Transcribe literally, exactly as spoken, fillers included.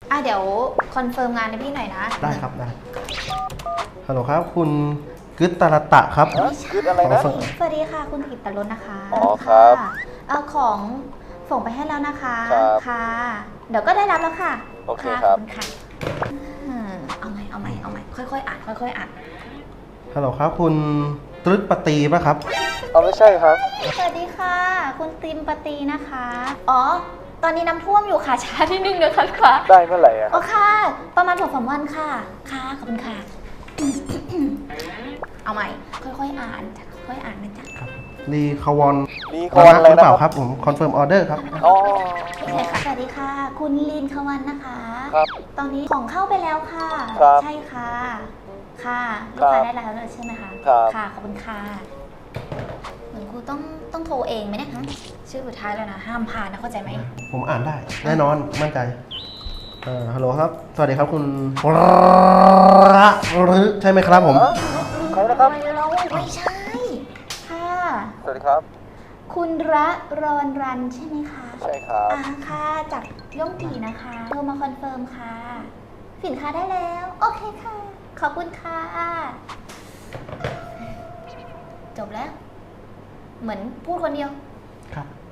อ่ะเดี๋ยวคอนเฟิร์มงานให้พี่หน่อยนะได้ครับได้ฮัลโหลครับคุณกึตตาลตะครับกึดอะไรนะสวัสดีค่ะคุณกิตตรสนะคะอ๋อครับะเอาของส่งไปให้แล้วนะคะครับค่ะ เดี๋ยวก็ได้รับแล้วค่ะโอเคครับขอณค่ะอืมเอาใหม่เอาใหม่เอาใหม่ค่อยๆอ่านค่อยๆอ่านฮัลโหลครับคุณตรึกปตีป่ะครับเอาไม่ใช่ครับสวัสดีค่ะ คุณติมปตีนะคะ อ๋อ ตอนนี้น้ำท่วมอยู่ค่ะ ช้าที่นึงนะคะค่ะได้เมื่อไหร่อะโอ้ค่ะ ประมาณสองสามวันค่ะ ค่ะ ขอบคุณค่ะ เอาใหม่ ค่อยๆอ่านจ้ะค่อยๆอ่านนะจ๊ะรีคาวอนมีคอนอะไรหรือนะเปล่าคครับ รับผมคอนเฟิร์มออเดอร์ครับอ๋อไม่ใช่ค่ะ สวัสดีค่ะ คุณลีนควันนะคะครับตอนนี้ของเข้าไปแล้วค่ะครับใช่ค่ะ ค่ะลูครักบค้าได้แล้วเลยใช่ไหมคะครับค่ะ ขอบคุณค่ะ เหมือนครูต้องต้องโทรเองไหมเนี่ยฮะชื่อสุดท้ายแล้วนะ ห้ามผ่านนะเข้าใจไหมผมอ่านได้ แน่นอนมั่นใจเอ่อฮัลโหลครับ สวัสดีครับคุณระรึใช่ไหมครับผมใครนะครับไม่เราไม่ใช่ ค่ะสวัสดีครับคุณระรอนรันใช่ไหมคะใช่ครับอ่าค่ะ จากย่อมตีนะคะโทรมาคอนเฟิร์มค่ะ สินค้าได้แล้ว โอเคค่ะ ขอบคุณค่ะ จบแล้ว เหมือนพูดคนเดียวครับ